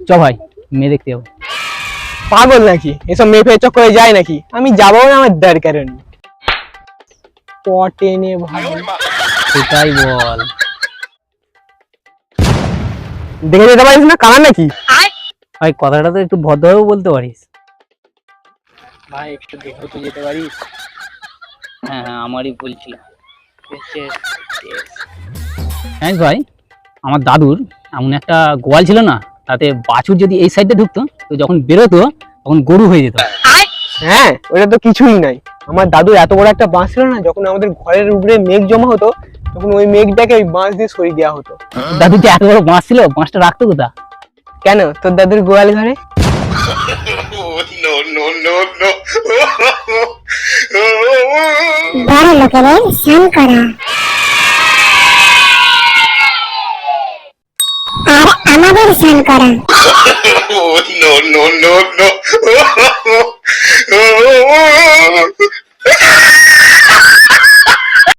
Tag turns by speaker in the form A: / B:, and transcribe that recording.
A: চ ভাই মেয়ে দেখতে যাবো।
B: পাগল নাকি? এসব মেয়ে ফেয়ে চক্করে যায় নাকি? আমি যাবো না, আমার দরকার নেই। পটেনে ভাই,
A: সেটাই বল।
B: দেখে যেতে পারিস না, কানা নাকি?
A: ভাই কথাটা তো একটু ভদ্রভাবে বলতে পারিস।
B: ভাই একটু দেখে তো যেতে পারিস।
A: হ্যাঁ হ্যাঁ, আমারই বলছিল। হ্যাঁ ভাই, আমার দাদুর এমন একটা গোয়াল ছিল না, তাতে বাছুর যদি এই সাইডে ঢুকতো তো যখন বেরোতো তখন গরু হয়ে যেত।
B: হ্যাঁ, ওটা তো কিছুই নাই। আমার দাদু এত বড় একটা বাঁশ ছিল না, যখন আমাদের ঘরের উপরে মেঘ জমা হতো তখন ওই মেঘটাকে ওই বাঁশ দিয়ে সরিয়ে দেওয়া হতো।
A: দাদুর যে এত বড় বাঁশ ছিল, বাঁশটা রাখতো কোথা?
B: কেন, তোর দাদুর গোয়াল ঘরে?
C: বড় লোকেদের স্নান করা আর আমাদের স্নান করা।
D: no, no, no, no.